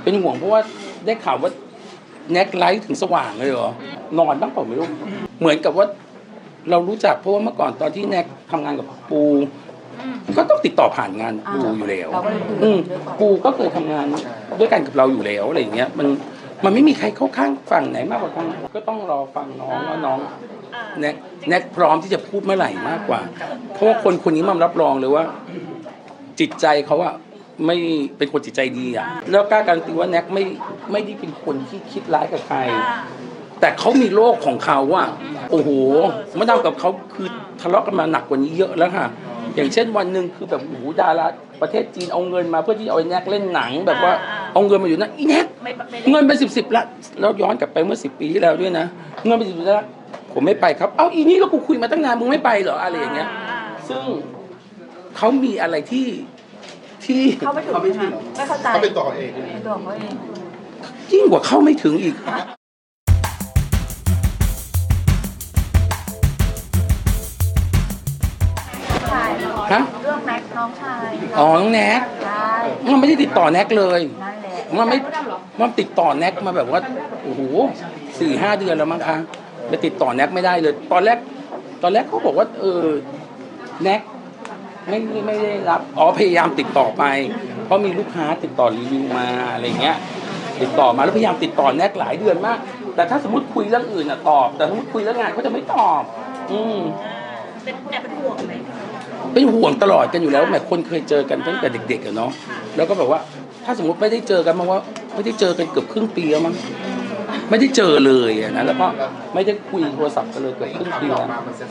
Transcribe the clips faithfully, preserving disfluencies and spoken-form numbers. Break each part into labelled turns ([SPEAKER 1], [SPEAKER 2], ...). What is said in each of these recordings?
[SPEAKER 1] เป็นห่วงเพราะว่าได้ข่าวว่าแน็กไลท์ถึงสว่างเลยเหรอนอนบ้างเปล่าไม่รู้เหมือนกับว่าเรารู้จักเพราะว่าเมื่อก่อนตอนที่แน็กทำงานกับปูก็ต้องติดต่อผ่านงานปูอยู่แล้วอืมปูก็เคยทำงานด้วยกันกับเราอยู่แล้วอะไรอย่างเงี้ยมันมันไม่มีใครเข้าข้างฝั่งไหนมากกว่ากันก็ต้องรอฟังน้องว่าน้องแน็กแน็กพร้อมที่จะพูดเมื่อไหร่มากกว่าเพราะว่าคนคนนี้มันรับรองเลยว่าจิตใจเขาอะไม่เป็นคนจิตใจดีอะแล้วกล้าการันตีว่าแน็กไม่ไม่ได้เป็นคนที่คิดร้ายกับใครแต่เขามีโลกของเขาอะโอ้โหมาทำกับเขาคือทะเลาะกันมาหนักกว่านี้เยอะแล้วค่ะอย่างเช่นวันหนึ่งคือแบบโอ้โหดาราประเทศจีนเอาเงินมาเพื่อที่เอาไอ้แน็กเล่นหนังแบบว่าเอาเงินมาอยู่นะอีแน็กเงินเป็นสิบสิบละแล้วย้อนกลับไปเมื่อสิบปีที่แล้วด้วยนะเงินเป็นสิบสิบละผมไม่ไปครับเอ้าอีนี่ก็กูคุยมาตั้งนานมึงไม่ไปเหรออะไรอย่างเงี้ยซึ่งเขามีอะไรที่ที่
[SPEAKER 2] เขาไม่ถึงไม่เข้าใจ
[SPEAKER 3] เขาเป็นตัวเอง
[SPEAKER 2] เป็นตัวเขาเอง
[SPEAKER 1] ยิ่งกว่าเข้าไม่ถึงอีกฮะ
[SPEAKER 2] เรื่องแน็กน้องชาย
[SPEAKER 1] อ๋อน้องแน็ก
[SPEAKER 2] ใช่
[SPEAKER 1] มันไม่ได้ติดต่อแน็กเลย
[SPEAKER 2] นั่นแหละ
[SPEAKER 1] มันไม่มันติดต่อแน็กมาแบบว่าโอ้โหสี่ห้าเดือนแล้วมั้งคะไปติดต่อแน็กไม่ได้เลยตอนแรกตอนแรกเขาบอกว่าเออแน็กไม่ไม่ได้รับอ๋อพยายามติดต่อไปเพราะมีลูกค้าติดต่อรีวิวมาอะไรเงี้ยติดต่อมาแล้วพยายามติดต่อแน็กหลายเดือนมากแต่ถ้าสมมติคุยเรื่องอื่นอ่ะตอบแต่สมมติคุยเรื่องงานเขาจะไม่ตอบอืม
[SPEAKER 2] เป็นแอบเป็นห่วงไหม
[SPEAKER 1] เป็นห่วงตลอดกันอยู่แล้วแม่คนเคยเจอกันตั้งแต่เด็กๆอะเนาะแล้วก็แบบว่าถ้าสมมติไม่ได้เจอกันมาว่าไม่ได้เจอกันเกือบครึ่งปีแล้วมั้งไม่ได้เจอเลยอะนะแล้วก็ไม่ได้คุยโทรศัพท์กันเลยเกือบครึ่งปีแล้ว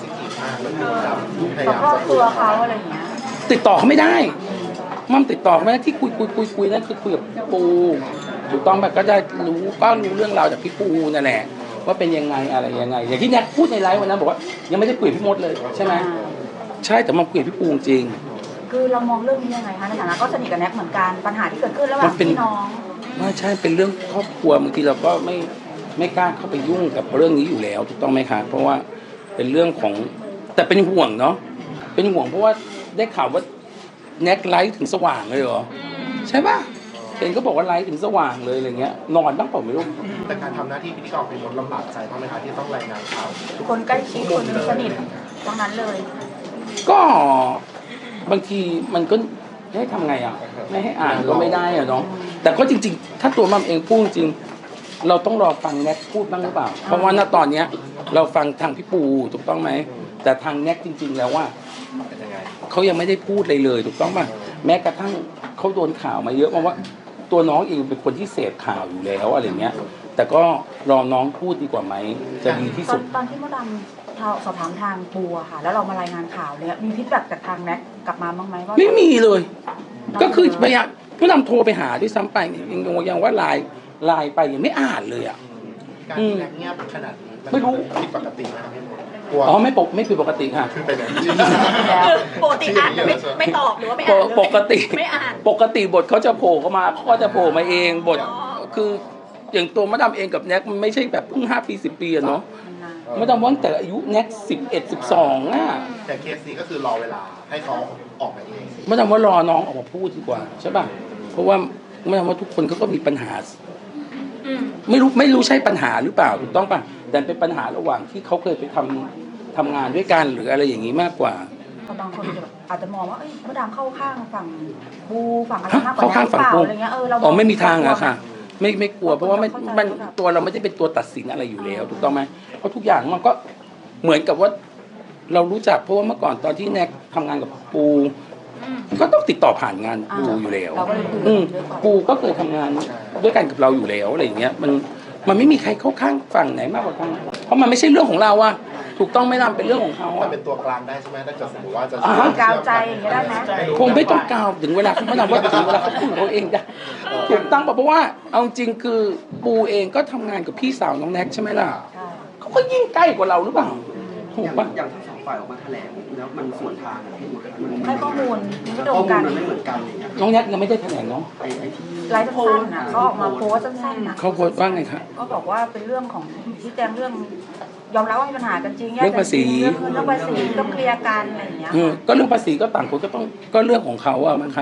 [SPEAKER 2] ครอบครัวเขาอะไรอย่างเงี้ย
[SPEAKER 1] ติดต่อเขาไม่ได้มั่มติดต่อเขาไม่ได้ที่คุยคุยคุยคุยนั่นคือคุยกับปูถูกต้องแบบก็ได้รู้ก็รู้เรื่องราวจากพี่ปูนั่นแหละว่าเป็นยังไงอะไรยังไงอย่างที่แน็กพูดในไลฟ์วันนั้นบอกว่ายังไม่ได้คุยกับพี่มดเลยใช่ไหมใช่แต่มาคุยกับพี่ปูจริง
[SPEAKER 2] คือเรามองเรื่องนี้ยังไงคะในฐานะก็สนิทกับแน็กเหมือนกันปัญหาที่เกิดขึ้นระหว่างพี่น้อง
[SPEAKER 1] ไม่ใช่เป็นเรื่องครอบครัวบางทีเราก็ไม่ไม่กล้าเข้าไปยุ่งกับเรื่องนี้อยู่แล้วถูกต้องไหมคะเพราะว่าเป็นเรื่องของแต่เป็นห่วงเนาะเป็นห่วงเพราะว่าได้ข่าวว่าแน็กไลท์ถึงสว่างเลยเหรอใช่ป่ะเห็นก็บอกว่าไลท์ถึงสว่างเลยอะไรเงี้ยนอนบ้างเปล่าไม่รู้
[SPEAKER 3] แต่การทำหน้าที่พิธีกรเป็นคนลำบากใจเพราะไหมคะที่ต้องรายงานข่าว
[SPEAKER 2] คนใกล้ชิดคนสนิทตรงนั้นเลย
[SPEAKER 1] ก็บางทีมันก็ให้ทำไงอ่ะไม่ให้อ่านก็ไม่ได้อ่ะเนาะแต่ก็จริงๆถ้าตัวมัมเองพูดจริงเราต้องรอฟังแน็กพูดบ้างหรือเปล่าเพราะว่าณตอนเนี้ยเราฟังทางพี่ปูถูกต้องไหมแต่ทางแน็กจริงๆแล้วว่าเขายังไม่ได้พูดเลยเลยถูกต้องป่ะแม้กระทั่งเขาโดนข่าวมาเยอะเพราะว่าตัวน้องเองเป็นคนที่เสพข่าวอยู่แล้วอะไรเงี้ยแต่ก็รอน้องพูดดีกว่าไหมจะดีที่สุด
[SPEAKER 2] ตอนที่มดดำสอบถามทางปูอะค่ะแล้วเรามารายงานข่าวเนี่ยมีฟีดแบ็กจากทางแน็กกลับมาบ้างไหมว่า
[SPEAKER 1] ไม่มีเลยก็คือพยายามผู้นำโทรไปหาด้วยซ้ำไปยังยังว่าไลน์ไลน์ไปยังไม่อ่านเลยอ่ะ
[SPEAKER 3] การแน็กเงียบขนาดนี้
[SPEAKER 1] ไม่รู้
[SPEAKER 3] ผิดปกติไหมครับ
[SPEAKER 1] อ๋อไม่ปกไม่ผิดปกติค่ะ
[SPEAKER 3] คือไปไหน
[SPEAKER 2] ปกติอ่านไม่ไม่ตอบหรือว่าไม่อ่าน
[SPEAKER 1] ปกติ
[SPEAKER 2] ไม่อ่าน
[SPEAKER 1] ปกติบทเขาจะโผล่เข้ามาเขาก็จะโผล่มาเองบทคืออย่างตัวมะดามเองกับแน็กมันไม่ใช่แบบเพิ่งห้าปีสิบปีอะเนาะมะดามว่าแต่อายุแน็กสิบเอ็ดสิบสองอ่ะ
[SPEAKER 3] แต่เคสนี้ก็คือรอเวลาให้เขาออกมาเอง
[SPEAKER 1] มะดามว่ารอน้องออกมาพูดดีกว่าใช่ป่ะเพราะว่ามะดามว่าทุกคนเขาก็มีปัญหาไม่รู้ไม่รู้ใช่ปัญหาหรือเปล่าถูกต้องป่ะแต่เป็นปัญหาระหว่างที่เขาเคยไปทำทำงานด้วยกันหรืออะไรอย่างนี้มากกว่า
[SPEAKER 2] บางคนอาจจะมองว่าเอ้ยมะดามเข้าข้างฝั่งบูฝั่งอะไรมากกว่านั้นเปล่าอะไรเงี้ยเออเรา
[SPEAKER 1] อ๋อไม่มีทางอะค่ะไม่ไม่กลัวเพราะว่าไม่มันตัวเราไม่ได้เป็นตัวตัดสินอะไรอยู่แล้วถูกต้องไหมเพราะทุกอย่างมันก็เหมือนกับว่าเรารู้จักเพราะว่าเมื่อก่อนตอนที่แน็กทำงานกับปูก็ต้องติดต่อผ่านงานปูอยู่แล้วอืมปูก็เคยทำงานด้วยกันกับเราอยู่แล้วอะไรอย่างเงี้ยมันมันไม่มีใครเข้าข้างฝั่งไหนมากกว่ากันเพราะมันไม่ใช่เรื่องของเราอะถูกต้องไม่นำเป็นเรื่องของเขา
[SPEAKER 3] มันเป็นตัวกลางได้ใช่ไหมถ้าเกิดสมมติว่าจะ
[SPEAKER 2] กาวใจอย่างเงี้ยได้ไหม
[SPEAKER 1] คงไม่ต้องกาวถึงเวลาเขาไม่นำว่าถึงเวลาเขาพูดเขาเองได้ถูกต้องเพราะว่าเอาจริงคือปูเองก็ทำงานกับพี่สาวน้องแน็กใช่ไหมล่ะเขาก็ยิ่งใกล้กว่าเราหรือเปล่าถูกปะ
[SPEAKER 4] อย่างทั้งสองฝ่ายออกมาแถลงแล้วมันส่วนทาง
[SPEAKER 2] ให้ข้อมูลไม่ตรงกัน
[SPEAKER 4] ไม่เหมือนกันอย่างเงี้ย
[SPEAKER 1] น้องแน็กยังไม่ได้แถลงเนาะ
[SPEAKER 4] ไอ้ไอ้ที่
[SPEAKER 2] ไลฟ์สั้นๆนะเขาออกมาโพสสั้นๆนะ
[SPEAKER 1] เขาโพสว่าไงครับ
[SPEAKER 2] ก็บอกว่าเป็นเรื่องของที่แจ้งเรื่องยอมรับว่ามีปัญหากันจริง
[SPEAKER 1] เรื่องภาษี
[SPEAKER 2] เรื่องภาษีต้องเคลียร์กันอะไรอย่างเงี้ย
[SPEAKER 1] ก็เรื่องภาษีก็ต่างคนก็ต้องก็เรื่องของเขาอะมั้งคะเพ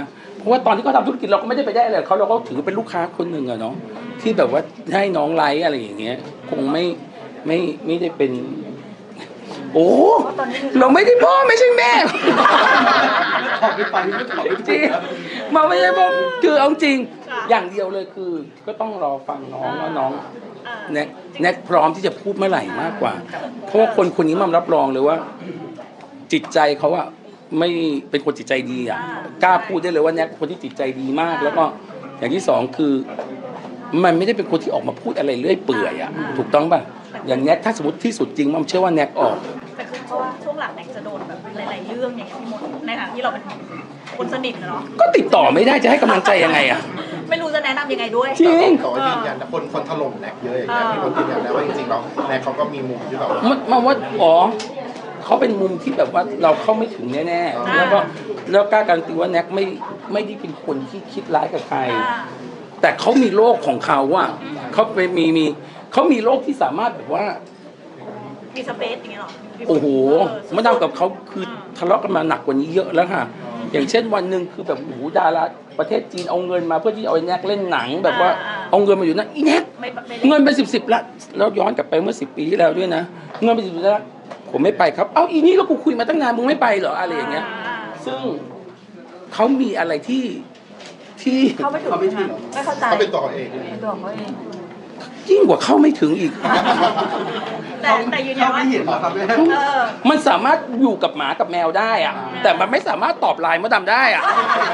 [SPEAKER 1] ราะว่าตอนที่เขาทำธุรกิจเราก็ไม่ได้ไปได้อะไรกับเขาเราก็ถือเป็นลูกค้าคนหนึ่งอะเนาะที่แบบว่าให้น้องไลฟ์อะไรอย่างเงี้ยคงไม่ไม่ไม่ได้เป็น โอ้
[SPEAKER 2] เพราะตอนนี้มี
[SPEAKER 1] เราไม่ได้พ่อไม่ใช่แม่
[SPEAKER 4] ขอบไปไปไม่ขอบไป
[SPEAKER 1] จริงมาไม่ใช่พ่อคือเอาจริงอย่างเดียวเลยคือ ก็ต้องรอฟังน้องว่าน้องแน็กแน็กพร้อมที่จะพูดเมื่อไหร่มากกว่า เพราะว่าคนคนนี้มันรับรองเลยว่า จิตใจเขาอะไม่เป็นคนจิตใจดีอะกล้าพูดได้เลยว่าแน็กเป็นคนที่จิตใจดีมาก แล้วก็อย่างที่สองคือ มันไม่ได้เป็นคนที่ออกมาพูดอะไรเรื่อยเปื่อยอะถูกต้องป่ะอย่างแน็กถ้าสมมติที่สุดจริงมันเชื่อว่าแน็กออก
[SPEAKER 5] แต่คือเพราะว่าช่วงหลังแน็กจะโดนแบบหลายๆเรื่องอย่างเงี้ยพี่มดในฐานะที่เราเป็นคนสนิทนะเนาะ
[SPEAKER 1] ก็ติดต่อไม่ได้จะให้กำลังใจยังไงอะ
[SPEAKER 5] ไม่รู้จะแนะนำยังไงด้วย
[SPEAKER 1] จริง
[SPEAKER 3] แต่ว่ายืนยันนะคนคนถล่มแน็กเยอะอย่างเงี้ยพี่คนยืนยันได้ว่าจริงๆแล้วแน็กเขาก็มีมุมที่แบบว่า
[SPEAKER 1] มันมาว่าอ๋อเขาเป็นมุมที่แบบว่าเราเข้าไม่ถึงแน่ๆแล้วก็แล้วกล้าการันตีว่าแน็กไม่ไม่ได้เป็นคนที่คิดร้ายกับใคร
[SPEAKER 5] อ่า
[SPEAKER 1] แต่เขามีโลกของเขาอะเขาไปมีมีเขามีโลกที่สามารถแบบว่า
[SPEAKER 5] มีสเปซอย่างเงี้ยหรอพี่มด
[SPEAKER 1] โอ้โห
[SPEAKER 5] เออ
[SPEAKER 1] มาทำกับเขาคือทะเลาะกันมาหนักกว่านี้เยอะแล้วค่ะ อย่างเช่นวันหนึ่งคือแบบโอ้โหดาราประเทศจีนเอาเงินมาเพื่อที่เอาไอ้แน็กเล่นหนัง แบบว่าเอาเงินมาอยู่นะอีแน็ก
[SPEAKER 5] ไม่ไม่
[SPEAKER 1] เงินเป็นสิบสิบละแล้วย้อนกลับไปเมื่อสิบปีที่แล้วด้วยนะเงินเป็นสิบละผมไม่ไปครับ เอ้าอีนี่ก็กูคุยมาตั้งนานมึงไม่ไปเหรออะไรอย่างเงี้ย ซึ่งเขามีอะไรที่ที่
[SPEAKER 2] เขาไม่ถึงไม่เข้าใจ
[SPEAKER 3] เขาเป็นตัวเขาเอง
[SPEAKER 2] เป็นตัวของเขาเอง
[SPEAKER 1] ยิ่งกว่าเข้าไม่ถึงอีก
[SPEAKER 5] แต่แต่ยืนยัน
[SPEAKER 4] เขา
[SPEAKER 5] ว่า
[SPEAKER 4] ไม่เห็นหรอครับแม่
[SPEAKER 5] เออ
[SPEAKER 1] มันสามารถอยู่กับหมากับแมวได้อะแต่มันไม่สามารถตอบไลน์มดดำได้อะ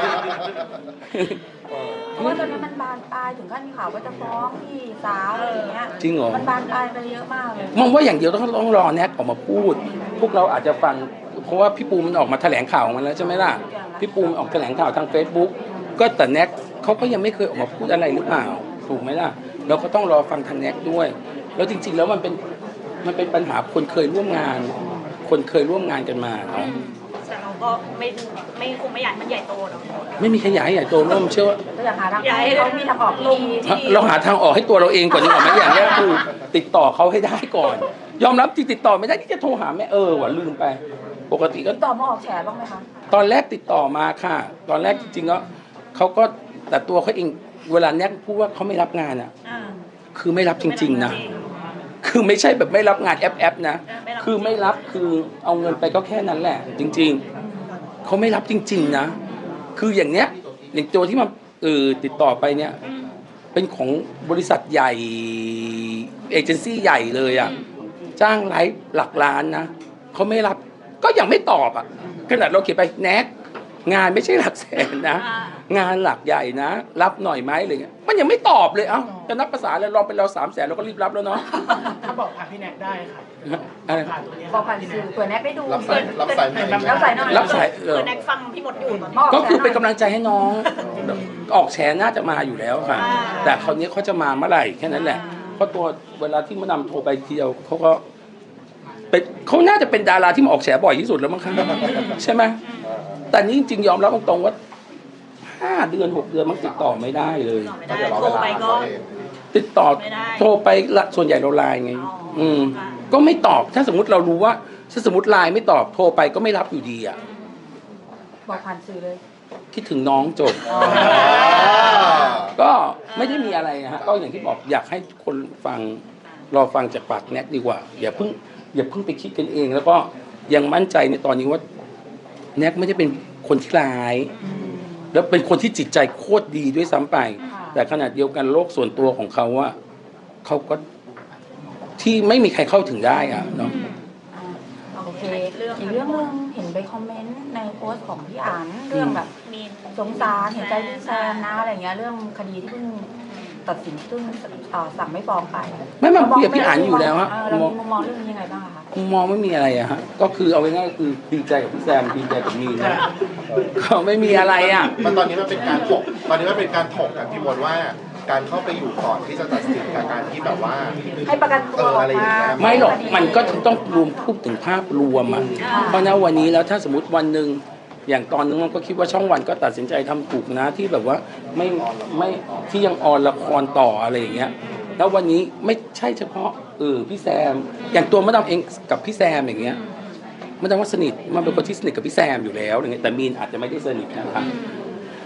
[SPEAKER 2] เพราะว่าตอนนั้นมันบานปลายถึงขั้นมีข่าวว่าจะฟ้องพี่สาวอะไรอย่างเงี้ย
[SPEAKER 1] จริงเหรอ
[SPEAKER 2] มันบานปลายไปเยอะมากเลย
[SPEAKER 1] มองว่าอย่างเดียวต้องต้องรอแน็กออกมาพูด พวกเราอาจจะฟังเพราะว่าพี่ปูมันออกมาแถลงข่าวของมันแล้วใช่ไหมล่ะพี่ปูมันออกแถลงข่าวทาง Facebook ก็แต่แน็กเขาก็ยังไม่เคยออกมาพูดอะไรหรือเปล่าถูกไหมล่ะเราก็ต้องรอฟังทางแน็กด้วย แล้วจริงๆแล้วมันเป็นมันเป็นปัญหาคนเคยร่วมงาน คนเคยร่วมงานกันมาเนาะ
[SPEAKER 5] แต่เราก็ไม่ไม่คงไม่อยากให้มันใหญ่โตเนาะ
[SPEAKER 1] ไม่มีขยายใหญ่โตร่วมเชื่อว่า
[SPEAKER 2] ก็อยากหาทางให้เขามีทางออกที่ดี
[SPEAKER 1] เราหาทางออกให้ตัวเราเองก่อนดีกว่าไหมอย่างแรกคือติดต่อเขาให้ได้ก่อน ยอมรับที่ติดต่อไม่ได้ที่จะโทรหาแม่เออว่ะลืมไป ปกติก็
[SPEAKER 2] ติดต่อมาออกแฉบ้างไหมคะ
[SPEAKER 1] ตอนแรกติดต่อมาค่ะ ตอนแรกจริงๆแล้วเขาก็แต่ตัวเขาเองเวลาแน็กพูดว่าเขาไม่รับงานอ่ะ
[SPEAKER 5] อ่า
[SPEAKER 1] คือไม่รับจริงๆนะคือไม่ใช่แบบไม่รับงานแอปแอปนะคือไม่รับคือเอาเงินไปก็แค่นั้นแหละ จริง ๆเขาไม่รับจริง ๆ นะ คืออย่างเนี้ยอย่างตัวที่มาเออติดต่อไปเนี่ย เป็นของบริษัทใหญ่เอเจนซี่ใหญ่เลยอ่ะจ้างไลฟ์หลักล้านนะเขาไม่รับก็ยังไม่ตอบอ่ะขนาดเราเขียนไปแน็กงานไม่ใช่หลักแสนนะ งานหลักใหญ่นะ รับหน่อยไหมอะไรเงี้ยมันยังไม่ตอบเลยเอ้าจะนับภาษาเลยลองเป็นเราสามแสนเราก็รีบรับแล้วเนาะ
[SPEAKER 6] ถ้าบอกผ่านพี่แน็กได้ค่ะ
[SPEAKER 1] อะไร
[SPEAKER 6] ผ่านตรงนี้
[SPEAKER 2] บอกผ่านสื่อเผื่อแน็กได้ดู
[SPEAKER 3] รับสายรับสายไหม
[SPEAKER 2] รับสายหน่อย
[SPEAKER 1] รับสายเอ
[SPEAKER 5] คือ
[SPEAKER 1] อ
[SPEAKER 5] แน็กฟังพี่มดอยู่ตอนนี้
[SPEAKER 2] มาออก
[SPEAKER 1] ก็
[SPEAKER 2] แฉ
[SPEAKER 1] คือ
[SPEAKER 2] ห
[SPEAKER 1] เป็น
[SPEAKER 2] น่อย
[SPEAKER 1] กำลังใจให้น้องแบบออกแฉน่าจะมาอยู่แล้วค่ะ แต่คราวนี้เขาจะมาเมื่อไหร่แค่นั้นแหละเพราะตัวเวลาที่มานำโทรไปทีเดียวเขาก็เป็นเขาน่าจะเป็นดาราที่มาออกแฉบ่อยที่สุดแล้วมั้งคะใช่ไหมแต่นี่จริงๆยอมรับตรงๆว่าห้าเดือนหกเดือนมันติดต่อไม่ได้เลย
[SPEAKER 5] ไม่ได้โทรไปก็
[SPEAKER 1] ติดต่อ
[SPEAKER 5] ไม่ได้
[SPEAKER 1] โทรไปละส่วนใหญ่เราไลน์ไง
[SPEAKER 5] อ๋ออื
[SPEAKER 1] อืม
[SPEAKER 5] ค่ะ
[SPEAKER 1] ก็ไม่ตอบถ้าสมมติเรารู้ว่าถ้าสมมติไลน์ไม่ตอบโทรไปก็ไม่รับอยู่ดีอ่ะ
[SPEAKER 2] บอกผ่านสื่อเลย
[SPEAKER 1] คิดถึงน้องจบ
[SPEAKER 2] อ๋อ
[SPEAKER 1] ก็ไม่ได้มีอะไรนะฮะก็อย่างที่บอกอยากให้คนฟังรอฟังจากปากแน็กดีกว่า อย่าเพิ่งอย่าเพิ่งไปคิดกันเอง แล้วก็ยังมั่นใจในตอนนี้ว่าแน็กไม่ได้เป็นคนที่ร้าย แล้วเป็นคนที่จิตใจโคตรดีด้วยซ้ำไป แต่ขนาดเดียวกันโลกส่วนตัวของเขาว่าเขาก็ที่ไม่มีใครเข้าถึงได้อ่ะเนาะ
[SPEAKER 2] โอเคอีกเรื่องนึงเห็นไปคอมเมนต์ในโพสต์ของพี่อันเรื่องแบบ
[SPEAKER 5] มี
[SPEAKER 2] สงสารเห็นใจพี่แซมนะอะไรเงี้ยเรื่องคดีที่เพิ่งตัดสินเพิ่งเอ่อสั่งไม่ฟ้องไป
[SPEAKER 1] ไม่มาคุยกับพี่อันอยู่แล้วฮะ
[SPEAKER 2] เเรามีมุมมองเรื่องนี้ยังไงบ้างอะคะ
[SPEAKER 1] มุมมองไม่มีอะไรอะฮะก็คือเอาง่ายๆคือดีใจกับพี่แซมดีใจกับมีนะก็ไม่มีอะไรอ่ะ
[SPEAKER 3] มันตอนนี้มันเป็นการถกตอนนี้มันเป็นการถกกันพี่มดว่าการเข้าไปอยู่ก่อนที่จะตัดสินกับการที่แบบว่า
[SPEAKER 2] ให้ประกันตัวออกมา
[SPEAKER 1] ไม่หรอกมันก็ต้องรวมพูดถึงภาพรวมอ่ะเพราะณวันนี้แล้วถ้าสมมติวันหนึ่งอย่างตอนนึงมันก็คิดว่าช่องวันก็ตัดสินใจทำถูกนะที่แบบว่าไม่ไม่ที่ยังออนละครต่ออะไรอย่างเงี้ยแล้ววันนี้ไม่ใช่เฉพาะเออพี่แซมอย่างตัวมะดามเองกับพี่แซมอย่างเงี้ยมะดามว่าสนิทมันเป็นคนที่สนิทกับพี่แซมอยู่แล้วอย่างเงี้ยแต่มีนอาจจะไม่ได้สนิทนะครับก็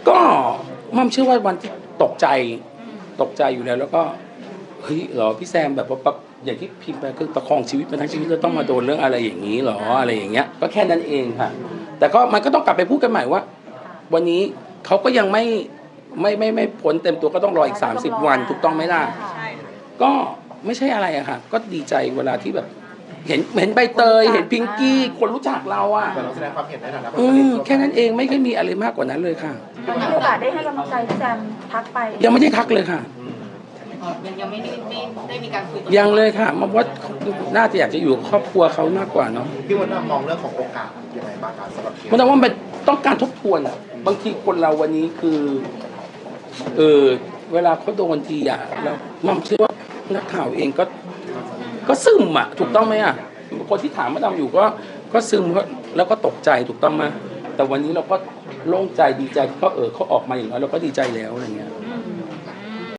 [SPEAKER 1] ก็มั่มเชื่อว่าวันที่ตกใจตกใจอยู่แล้วแล้วก็เฮ้ยเหรอพี่แซมแบบว่าแบบอย่างที่พิมพ์ไปคือประคองชีวิตมาทั้งชีวิตแล้วต้องมาโดนเรื่องอะไรอย่างนี้เหรออะไรอย่างเงี้ยก็แค่นั้นเองค่ะ แต่ก็มันก็ต้องกลับไปพูดกันใหม่ว่า วันนี้เขาก็ยังไม่ไม่ไม่ไม่พ้นเต็มตัวก็ต้องรออีกสามสิบวันถูกต้องไหมล่ะ
[SPEAKER 5] ใช่ค่ะ
[SPEAKER 1] ก็ไม่ใช่อะไรอะค่ะ ก็ดีใจเวลาที่แบบ เห็นเห็นใบเตยเห็นพิงกี้คนรู้จักเราอะ
[SPEAKER 3] แต่เราแสดงความเห็นในฐานะคน
[SPEAKER 1] อื
[SPEAKER 3] สนิท
[SPEAKER 1] มแค่นั้นเองไม่เคยมีอะไรมากกว่านั้นเลยค่ะ
[SPEAKER 2] มีโอกาสได้ให้กำลังใจพี่แซมทักไป
[SPEAKER 1] ยังไม่ได้ทักเลยค่ะ
[SPEAKER 7] ยังยังไม่ได้ไม่ได้มีการคุยกับ
[SPEAKER 1] ยังเลยค่ะมาว่าน่าจะอยากจะอยู่กับครอบครัวเขามากกว่าเนาะ
[SPEAKER 3] พี่มดมองเรื่องของโอกาสยังไงบ้างครับสำหรับเคส
[SPEAKER 1] มันต้องว่ามันต้องการทบทวนอะบางทีคนเราวันนี้คือ เออเวลาเขาโดนทีอะแล้วมั่มเชื่อว่านักข่าวเองก็ ก็ซึมอะถูกต้องไหมอะคนที่ถามมาดำอยู่ก็ก็ซึมก็แล้วก็ตกใจถูกต้องไหมแต่วันนี้เราก็โล่งใจดีใจที่เขาเออเขาออกมาอย่างน้อยเราก็ดีใจแล้วอะไรเงี้ย
[SPEAKER 3] อื